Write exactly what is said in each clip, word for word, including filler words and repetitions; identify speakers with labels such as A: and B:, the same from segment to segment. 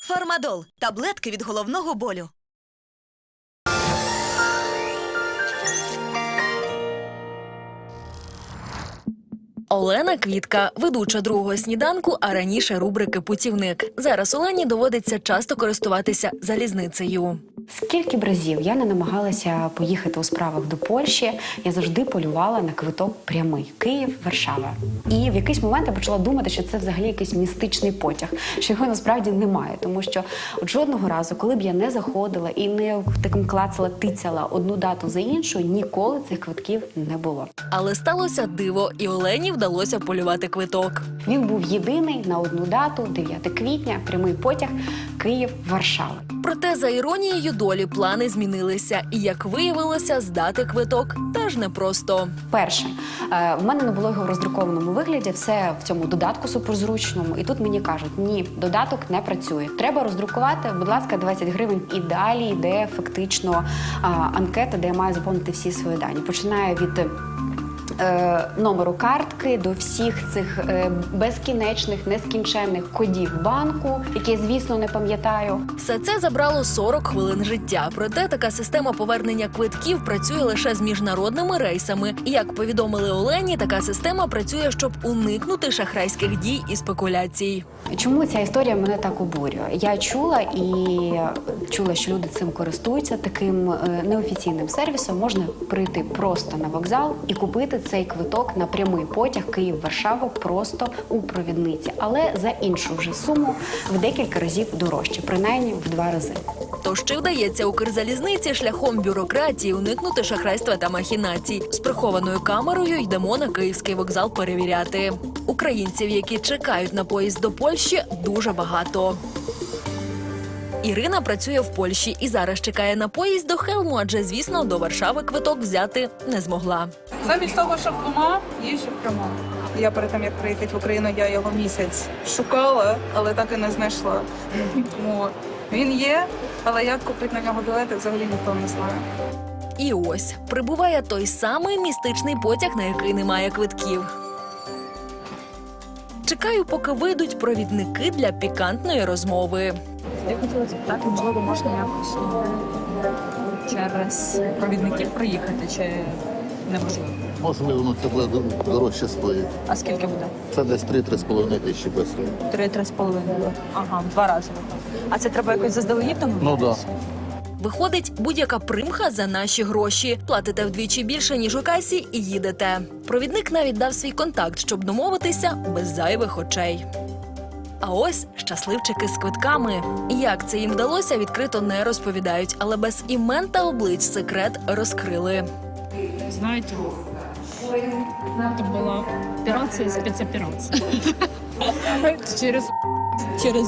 A: Фармадол – таблетки від головного болю.
B: Олена Квітка – ведуча другого сніданку, а раніше рубрики «Путівник». Зараз Олені доводиться часто користуватися залізницею.
C: Скільки б разів я не намагалася поїхати у справах до Польщі, я завжди полювала на квиток прямий – Київ-Варшава. І в якийсь момент я почала думати, що це взагалі якийсь містичний потяг, що його насправді немає. Тому що от жодного разу, коли б я не заходила і не таким клацала, тицяла одну дату за іншу, ніколи цих квитків не було.
B: Але сталося диво, і Олені вдалося полювати квиток.
C: Він був єдиний на одну дату – дев'яте квітня, прямий потяг Київ-Варшава.
B: Проте, за іронією долі, плани змінилися. І, як виявилося, здати квиток теж непросто.
C: Перше, е, в мене не було його в роздрукованому вигляді, все в цьому додатку суперзручному. І тут мені кажуть, ні, додаток не працює. Треба роздрукувати, будь ласка, двадцять гривень. І далі йде фактично а, анкета, де я маю заповнити всі свої дані. Починає від Е, номеру картки до всіх цих е, безкінечних, нескінченних кодів банку, які я, звісно, не пам'ятаю.
B: Все це забрало сорок хвилин життя. Проте така система повернення квитків працює лише з міжнародними рейсами. І, як повідомили Олені, така система працює, щоб уникнути шахрайських дій і спекуляцій.
C: Чому ця історія мене так обурює? Я чула і чула, що люди цим користуються, таким е, неофіційним сервісом. Можна прийти просто на вокзал і купити цей квиток на прямий потяг Київ-Варшава просто у провідниці, але за іншу вже суму в декілька разів дорожче, принаймні в два рази.
B: Тож чи вдається Укрзалізниці шляхом бюрократії уникнути шахрайства та махінацій? З прихованою камерою йдемо на Київський вокзал перевіряти. Українців, які чекають на поїзд до Польщі, дуже багато. Ірина працює в Польщі і зараз чекає на поїзд до Хелму, адже, звісно, до Варшави квиток взяти не змогла.
D: Замість того, щоб двома, їжджу прямо. Я перед тим, як приїхати в Україну, я його місяць шукала, але так і не знайшла. Тому він є, але як купити на нього білети, взагалі ніхто не знає.
B: І ось, прибуває той самий містичний потяг, на який немає квитків. Чекаю, поки вийдуть провідники для пікантної розмови.
E: Я хотіла запитати, можливо, можна якось через провідників приїхати, чи неможливо?
F: Можливо, ну це буде дорожче стоїть.
E: А скільки буде?
F: Це десь три-три з половиною тисячі без того.
E: Три-три з половиною. Ага, в два рази. А це треба якось заздалегідь домовитися?
F: Ну,
B: Виходить, будь-яка примха за наші гроші. Платите вдвічі більше, ніж у касі, і їдете. Провідник навіть дав свій контакт, щоб домовитися без зайвих очей. А ось щасливчики з квитками. Як це їм вдалося, відкрито не розповідають, але без імен та облич секрет розкрили.
G: Знаете, это была операция, спецоперация. Через... Через...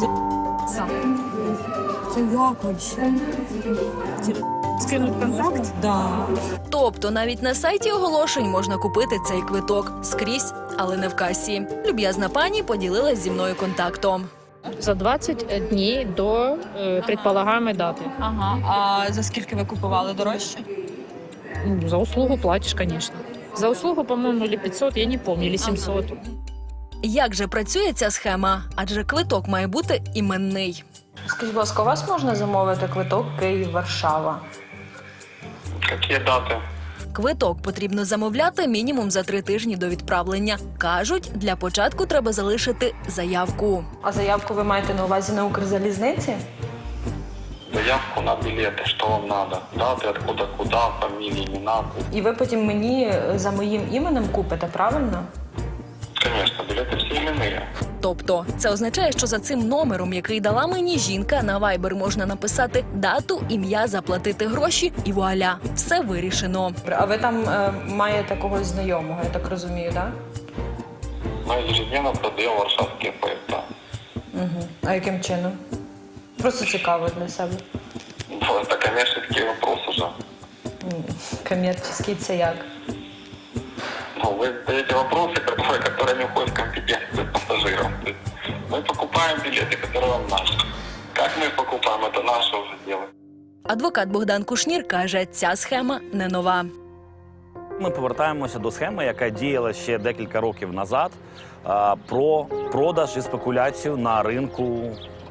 G: Це як вообще? Скинуть контакт? Да.
B: Тобто навіть на сайті оголошень можна купити цей квиток скрізь, але не в касі. Люб'язна пані поділилась зі мною контактом.
G: За двадцять днів до е, предполагаемой дати.
E: Ага, а за скільки ви купували дорожче?
G: Ну, за услугу платишь, конечно. За услугу, по-моему, или пятьсот, я не помню, или семьсот.
B: Як же працює ця схема? Адже квиток має бути іменний.
E: Скажіть, будь ласка, у вас можна замовити квиток Київ-Варшава?
H: Какие даты?
B: Квиток потрібно замовляти мінімум за три тижні до відправлення. Кажуть, для початку треба залишити заявку.
E: А заявку ви маєте на увазі на Укрзалізниці?
H: Заявку на билеты, что вам надо? Даты, откуда, куда, фамилии, имена.
E: І ви потім мені за моїм іменем купите, правильно?
H: Конечно, билеты все именные.
B: Тобто, це означає, що за цим номером, який дала мені жінка, на Viber можна написати дату, ім'я, заплатити гроші і вуаля, все вирішено.
E: А ви там е, маєте когось знайомого, я так розумію, так?
H: Мы ежедневно продаем варшавские поезда.
E: Угу. А яким чином? Просто цікаво для себе.
H: Ну, это коммерческий вопрос уже.
E: М, Комерційний це як?
H: Ну, вы задаете вопросы, которые, которые не входят в компетенцию пассажиров. То есть мы покупаем билеты, которые вам надо. Как мы их покупаем, это наше уже дело.
B: Адвокат Богдан Кушнір каже, ця схема не нова.
I: Ми повертаємося до схеми, яка діяла ще декілька років назад, про продаж і спекуляцію на ринку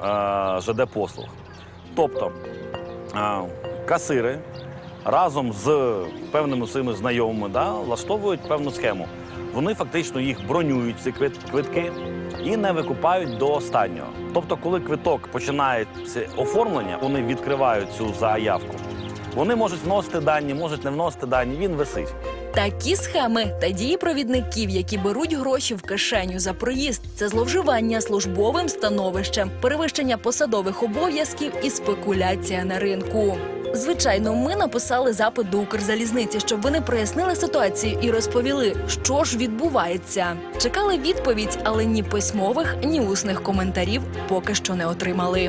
I: е, ЖД послуг. Тобто е, касири разом з певними своїми знайомими да, влаштовують певну схему. Вони фактично їх бронюють, ці квит- квитки, і не викупають до останнього. Тобто, коли квиток починає це оформлення, вони відкривають цю заявку. Вони можуть вносити дані, можуть не вносити дані, він висить.
B: Такі схеми та дії провідників, які беруть гроші в кишеню за проїзд, це зловживання службовим становищем, перевищення посадових обов'язків і спекуляція на ринку. Звичайно, ми написали запит до Укрзалізниці, щоб вони прояснили ситуацію і розповіли, що ж відбувається. Чекали відповідь, але ні письмових, ні усних коментарів поки що не отримали.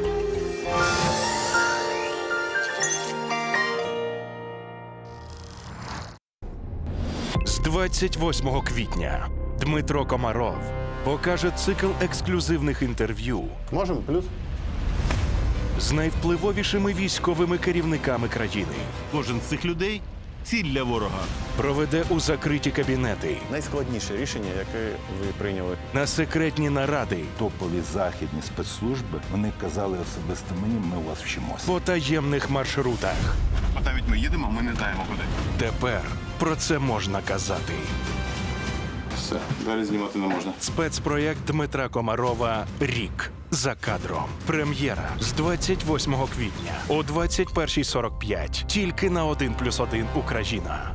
J: З двадцять восьмого квітня Дмитро Комаров покаже цикл ексклюзивних інтерв'ю
F: Можемо плюс?
J: з найвпливовішими військовими керівниками країни.
K: Кожен з цих людей ціль для ворога.
J: Проведе у закриті кабінети,
K: Найскладніше рішення, яке ви прийняли.
J: на секретні наради,
L: Топові західні спецслужби, вони казали особисто мені, ми у вас вчимося.
J: по таємних маршрутах.
K: А навіть ми їдемо, ми не знаємо куди.
J: Тепер про це можна казати.
K: Все, далі знімати не можна.
J: Спецпроєкт Дмитра Комарова «Рік за кадром». Прем'єра з двадцять восьмого квітня о двадцять першій сорок п'ять. Тільки на один плюс один Україна.